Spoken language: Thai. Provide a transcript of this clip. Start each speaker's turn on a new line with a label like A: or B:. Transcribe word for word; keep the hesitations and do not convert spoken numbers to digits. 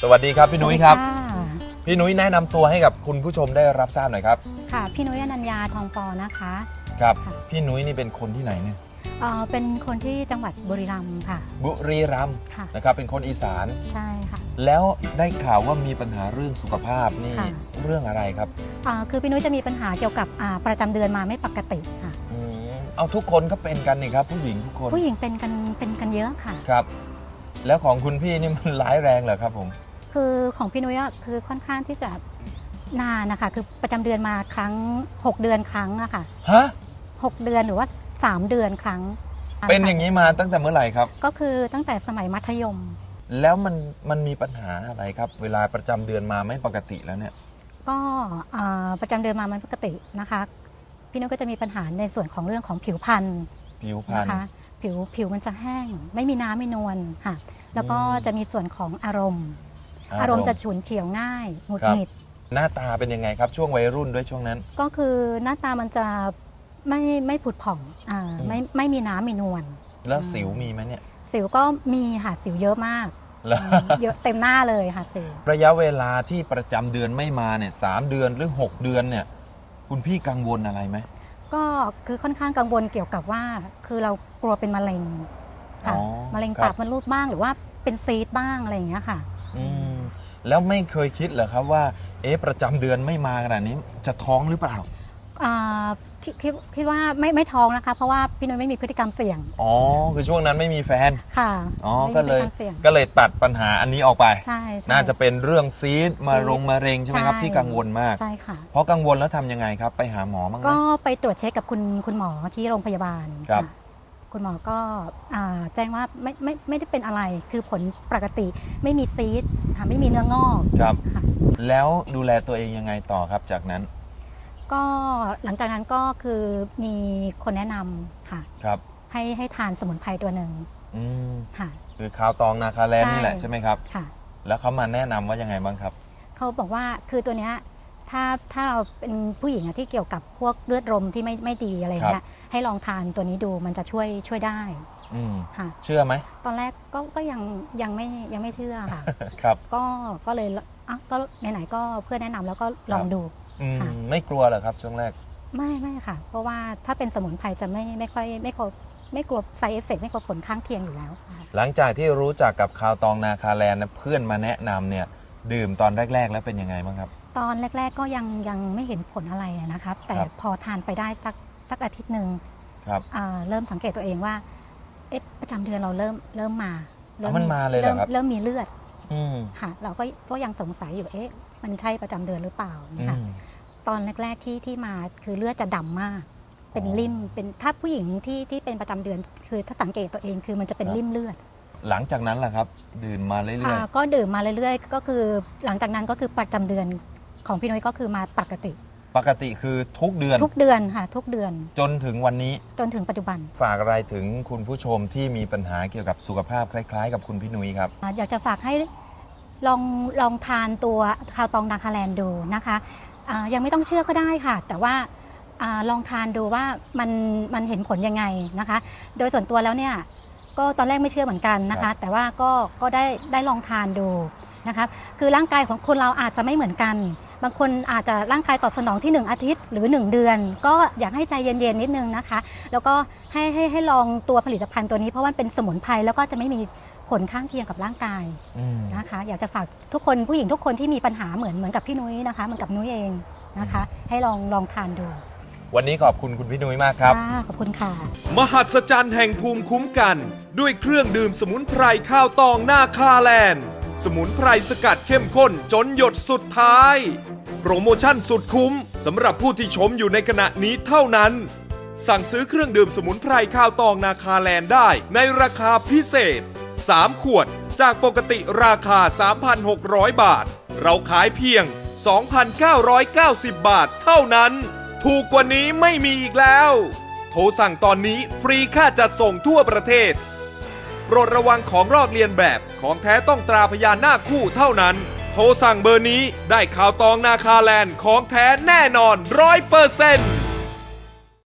A: สวัสดีครับพี่นุ้ยครับ
B: สวัสดีค่ะ
A: พี่นุ้ยแนะนำตัวให้กับคุณผู้ชมได้รับทราบหน่อยครับ
B: ค่ะ พี่นุ้ยอนัญญาทองปอนะคะ
A: ครับ
B: ค่ะ
A: พี่นุ้ยนี่เป็นคนที่ไหนเนี่ย
B: เอ่อเป็นคนที่จังหวัดบุรีรัมย์ค่ะ
A: บุรีรัมย์
B: ค่ะ
A: นะครับเป็นคนอีสาน
B: ใช่ค่ะ
A: แล้วได้ข่าวว่ามีปัญหาเรื่องสุขภาพนี่
B: ค่ะ
A: เรื่องอะไรครับ
B: เอ่อคือพี่นุ้ยจะมีปัญหาเกี่ยวกับอ่าประจำเดือนมาไม่ปกติค่ะ
A: อืมเอาทุกคนก็เป็นกันนี่ครับผู้หญิงทุกคน
B: ผู้หญิงเป็นกันเป็นกันเยอะค่ะ
A: ครับ แล้วของคุณพี่นี่มันร้ายแรงเหรอครับผม
B: คือของพี่นุ้ยอะคือค่อนข้างที่จะนานนะคะคือประจำเดือนมาครั้งหกเดือนครั้งอะค่ะ
A: ฮะ
B: หกเดือนหรือว่าสามเดือนครั้ง
A: เป็นอย่างนี้มาตั้งแต่เมื่อไหร่ครับ
B: ก็คือตั้งแต่สมัยมัธยม
A: แล้วมันมันมีปัญหาอะไรครับ เวลาประจำเดือนมาไม่ปกติแล้วเนี่ย
B: ก็เอ่อประจำเดือนมามันปกตินะคะ พี่นุ้ยก็จะมีปัญหาในส่วนของเรื่องของผิวพรรณ
A: ผิวพรรณ
B: นะคะผิวผิวมันจะแห้ง ไม่มีน้ำไม่นวลค่ะ แล้วก็
A: อืม
B: จะมีส่วนของอารมณ์ อารมณ์จะฉุนเฉียวง่ายหงุด
A: ครับ
B: หงิด
A: หน้าตาเป็นยังไงครับช่วงวัยรุ่นด้วยช่วงนั้น
B: ก็คือหน้าตามันจะไม่ไม่ผุดผ่องอ่า
A: อืม
B: ไม่ไม่มีน้ำมีนวล
A: แล้วสิวมีไหมเนี่ย
B: สิวก็มีค่ะสิวเยอะมาก
A: แล้ว
B: อืมเยอะเต็มหน้าเลยค่ะสิว
A: ระยะเวลาที่ประจำเดือนไม่มาเนี่ยสามเดือนหรือ หก เดือนเนี่ยคุณพี่กังวลอะไรไหม
B: ก็คือค่อนข้างกังวลเกี่ยวกับว่า คือเรากลัวเป็นมะเร็งค่ะ
A: อ๋อ
B: มะเร็ง
A: ครับ
B: ปากมดลูกบ้างหรือว่าเป็นซีสต์บ้างอะไรอย่างเงี้ยค่ะ
A: อืมแล้วไม่เคยคิดเหรอครับว่าเอ๊ะประจำเดือนไม่มาขนาดนี้จะท้องหรือเปล่า
B: อ่าคิดคิดคิดว่าไม่ไม่ท้องนะคะ เพราะว่าพี่นุ้ยไม่มีพฤติกรรมเสี่ยง
A: อ๋อคือช่วงนั้นไม่มีแฟน
B: ค่ะ
A: อ๋อ
B: ไม่
A: ก็
B: มีพ
A: เล
B: ฤติ
A: ย
B: กรรมเสี่ยง
A: ก็เลยตัดปัญหาอันนี้ออกไป
B: ใช่ใช่
A: น่าจะเป็นเรื่องซีสต์มารงมะเร็งใช่ไหมครับ
B: ใช่
A: ที่กังวลมาก
B: ใช่ค่ะ
A: เพราะกังวลแล้วทำยังไงครับ ไปหาหมอบ้างไหม
B: ก็ไปตรวจเช็คกับคุณคุณหมอที่โรงพยาบาล
A: ครับ
B: ค่ะคุณหมอก็อ่าแจ้งว่าไม่ไม่ไม่ได้เป็นอะไรคือผลปกติไม่มีซีสต์ค่ะไม่มีเนื้องอก
A: ครับ
B: ค่ะ
A: แล้วดูแลตัวเองยังไงต่อครับจากนั้น
B: ก็หลังจากนั้นก็คือมีคนแนะนำค่ะ
A: ครับ
B: ให้ให้ทานสมุนไพรตัวหนึ่ง
A: อืม
B: ค่ะ
A: คือคาวตองนาคาแลนด์
B: ใช่
A: นี่แหละใช่ไหมครับ
B: ค่ะ
A: แล้วเขามาแนะนำว่ายังไงบ้างครับ
B: เขาบอกว่าคือตัวเนี้ยถ้าถ้าเราเป็นผู้หญิงอะที่เกี่ยวกับพวกเลือดลมที่ไม่ไม่ดีอะไรอย่างเงี้ยให้ลองทานตัวนี้ดูมันจะช่วยช่วยได้
A: อืม
B: ค่ะ
A: เชื่อไหม
B: ตอนแรกก็ก็ยังยังไม่ยังไม่เชื่อค่ะ
A: ครับ
B: ก็ก็เลยอ่ะก็ไหนๆก็เพื่อนแนะนำแล้วก็ลองดู
A: อืม
B: ค่ะ
A: ไม่กลัวเหรอครับช่วงแรก
B: ไม่ไม่ค่ะ เพราะว่าถ้าเป็นสมุนไพรจะไม่ไม่ค่อยไม่กลัวไม่กลัวไซเอฟเฟกไม่กลัวผลข้างเคียงอยู่แล้วค่ะ
A: หลังจากที่รู้จักกับคาวตองนาคาแลนด์นะเพื่อนมาแนะนำเนี่ยดื่มตอนแรก ๆ แล้วเป็นยังไงบ้างครับ
B: ตอนแรก ๆก็ยังยังไม่เห็นผลอะไรนะครับ แต่
A: ครับ
B: พอทานไปได้สักสักอาทิตย์หนึ่ง
A: ครับ
B: อ่าเริ่มสังเกตตัวเองว่าเอ๊ะประจำเดือนเราเริ่มเริ่มมา
A: อ๋อมันมาเลยเหรอครับ
B: เริ่มมีเลือด
A: อืม
B: ค่ะ เราก็ก็ยังสงสัยอยู่เอ๊ะมันใช่ประจำเดือนหรือเปล่า
A: อื
B: นะคะ
A: ม
B: ตอนแรก ๆที่ที่มาคือเลือดจะดำมาก เป็น
A: อ๋อ
B: ริ่มเป็นถ้าผู้หญิงที่ที่เป็นประจำเดือน คือถ้าสังเกตตัวเองคือมันจะเป็น
A: ครับ
B: ริ่มเลือด
A: หลังจากนั้นล่ะครับ ดื่มมาเรื่อย
B: อ่าก็ดื่มมาเรื่อยๆ ก็คือหลังจากนั้นก็คือประจำเดือนของพี่นุ้ยก็คือมาปกติ
A: ๆ ปกติคือทุกเดือน
B: ทุกเดือนค่ะ ทุกเดือน
A: จนถึงวันนี้
B: จนถึงปัจจุบัน
A: ฝากอะไรถึงคุณผู้ชมที่มีปัญหาเกี่ยวกับสุขภาพคล้าย ๆ กับคุณพี่นุ้ยครับ
B: อ่าอยากจะฝากให้ลองลองทานตัวคาวตองนาคาแลนด์ดูนะคะอ่ายังไม่ต้องเชื่อก็ได้ค่ะ แต่ว่าอาลองทานดูว่ามันมันเห็นผลยังไงนะคะ โดยส่วนตัวแล้วเนี่ยก็ตอนแรกไม่เชื่อเหมือนกันนะ
A: ครั
B: คะ
A: บ
B: แต่ว่าก็ก็ได้ได้ลองทานดูนะคะคือร่างกายของคนเราอาจจะไม่เหมือนกัน บางคนอาจจะร่างกายตอบสนองที่หนึ่งอาทิตย์หรือหนึ่งเดือน ก็อยากให้ใจเย็นๆนิดนึงนะคะ แล้วก็ให้ให้ให้ลองตัวผลิตภัณฑ์ตัวนี้เพราะว่ามันเป็นสมุนไพรแล้วก็จะไม่มีผลข้างเคียงกับร่างกาย
A: อืม
B: นะคะอยากจะฝากทุกคนผู้หญิงทุกคนที่มีปัญหาเหมือนเหมือนกับพี่นุ้ยนะคะเหมือนกับนุ้ยเองนะคะ ให้ลองลองทานดู
A: วันนี้ขอบคุณคุณพี่นุ้ยมากครับ
B: ค่ะขอบคุณค่ะ
C: มหัศจรรย์แห่งภูมิคุ้มกัน ด้วยเครื่องดื่มสมุนไพรข้าวตองนาคาแลนด์ สมุนไพรสกัดเข้มข้นจนหยดสุดท้าย โปรโมชั่นสุดคุ้มสำหรับผู้ที่ชมอยู่ในขณะนี้เท่านั้น สั่งซื้อเครื่องดื่มสมุนไพรข้าวตองนาคาแลนด์ได้ในราคาพิเศษ สาม ขวดจากปกติราคา สามพันหกร้อย บาท เราขายเพียง สองพันเก้าร้อยเก้าสิบ บาทเท่านั้น ถูกกว่านี้ไม่มีอีกแล้ว โทรสั่งตอนนี้ฟรีค่าจัดส่งทั่วประเทศ โปรดระวังของลอกเลียนแบบของแท้ต้องตราพยานหน้าคู่เท่านั้น โทรสั่งเบอร์นี้ได้ข่าวตองนาคาแลนด์ของแท้แน่นอนร้อยเปอร์เซ็นต์